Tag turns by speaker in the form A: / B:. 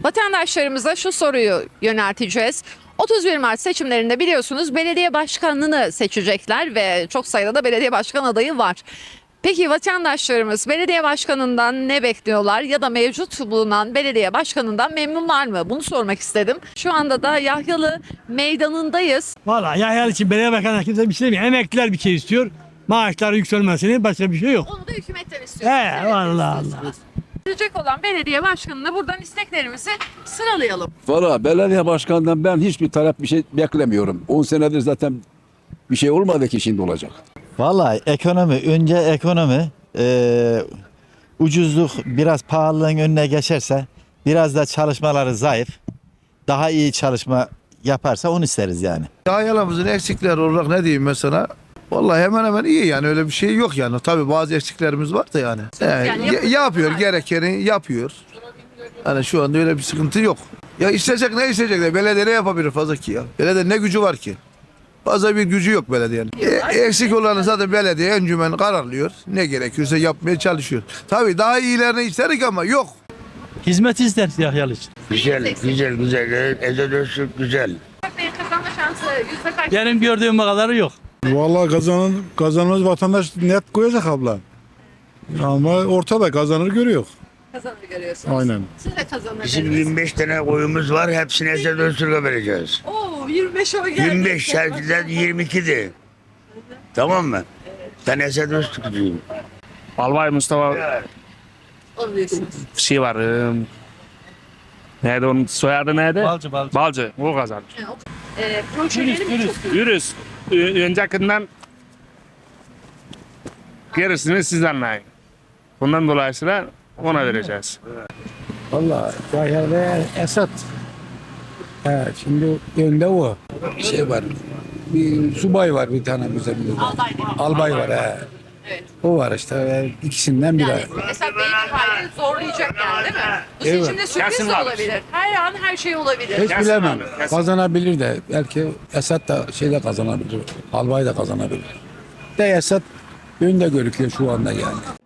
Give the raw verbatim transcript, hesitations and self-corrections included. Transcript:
A: Vatandaşlarımıza şu soruyu yönelteceğiz. otuz bir Mart seçimlerinde biliyorsunuz belediye başkanını seçecekler ve çok sayıda da belediye başkan adayı var. Peki vatandaşlarımız belediye başkanından ne bekliyorlar ya da mevcut bulunan belediye başkanından memnunlar mı? Bunu sormak istedim. Şu anda da Yahyalı Meydanı'ndayız.
B: Valla Yahyalı için belediye başkanı kimse bir şey demiyor. Emekliler bir şey istiyor. Maaşlar yükselmesini, başka bir şey yok.
A: Onu da hükümetten istiyoruz.
B: He
A: Evet,
B: vallahi
A: istiyorsunuz.
B: Allah.
A: Seçilecek olan belediye başkanına buradan isteklerimizi sıralayalım.
C: Valla belediye başkanından ben hiçbir talep bir şey beklemiyorum. on senedir zaten bir şey olmadı ki şimdi olacak.
D: Vallahi ekonomi, önce ekonomi, e, ucuzluk biraz pahalılığın önüne geçerse, biraz da çalışmaları zayıf, daha iyi çalışma yaparsa onu isteriz yani.
E: Yahyalı'mızın eksikleri olarak ne diyeyim mesela? Vallahi hemen hemen iyi yani, öyle bir şey yok yani. Tabii bazı eksiklerimiz var da yani. Yani
A: Yani
E: ya-
A: yapacak
E: yapıyor,
A: var.
E: gerekeni yapıyor. Hani şu anda öyle bir sıkıntı yok. Ya isteyecek ne isteyecek de belediye ne yapabilir fazla ki ya? Belediye ne gücü var ki? Fazla bir gücü yok belediyenin. E, eksik olanı zaten belediye encümen kararlıyor. Ne gerekiyorsa yapmaya çalışıyor. Tabii daha iyilerini isterik ama yok.
B: Hizmet ister Yahyalı için.
F: Güzel, güzel, güzel. Ezel Öztürk güzel.
A: Bey'in kazanma şansı yüzde kaç?
B: Benim gördüğüm kadarı yok.
G: Vallahi kazanan kazanmaz vatandaş net koyacak abla. Ama ortada kazanır görüyor.
A: Kazanır görüyorsunuz.
G: Aynen.
A: Siz de kazanır.
F: Bizim yirmi beş tane koyumuz var. Hepsini Ezel Öztürk'e vereceğiz.
A: Oo, yirmi beş oy geldi.
F: yirmi beş, şarkıdan yirmi iki'di. Tamam mı? Ben Ezel Öztürk'cüyüm.
H: Albay Mustafa
A: Onu diyorsunuz.
H: bir şey var. E, neydi onun soyadı neydi?
B: Balcı, balcı.
H: Balcı. O kazanır.
A: Ee, projeleri çok iyi.
H: Yürüz. Ö- Öncekinden gerisini siz anlayın. Bundan dolayısıyla ona vereceğiz.
I: Vallahi Yahyalı Esat. He, şimdi önde o. Şey var. Bir subay var bir tane bizim.
A: Albay değil mi?
I: Albay var he.
A: Evet.
I: O var işte. e, ikisinden biri.
A: Yani mesela Bey'in hali zorlayacak yani değil mi? Bu
I: Evet.
A: seçimde sürpriz
H: Kesin
A: de
H: var.
A: olabilir. Her an her şey olabilir.
I: Hiç
H: Kesin
I: bilemem.
H: abi, kesin.
I: Kazanabilir de. Belki Esat da şeyde kazanabilir. Albay da kazanabilir. De Esat önde görüküyor şu anda yani.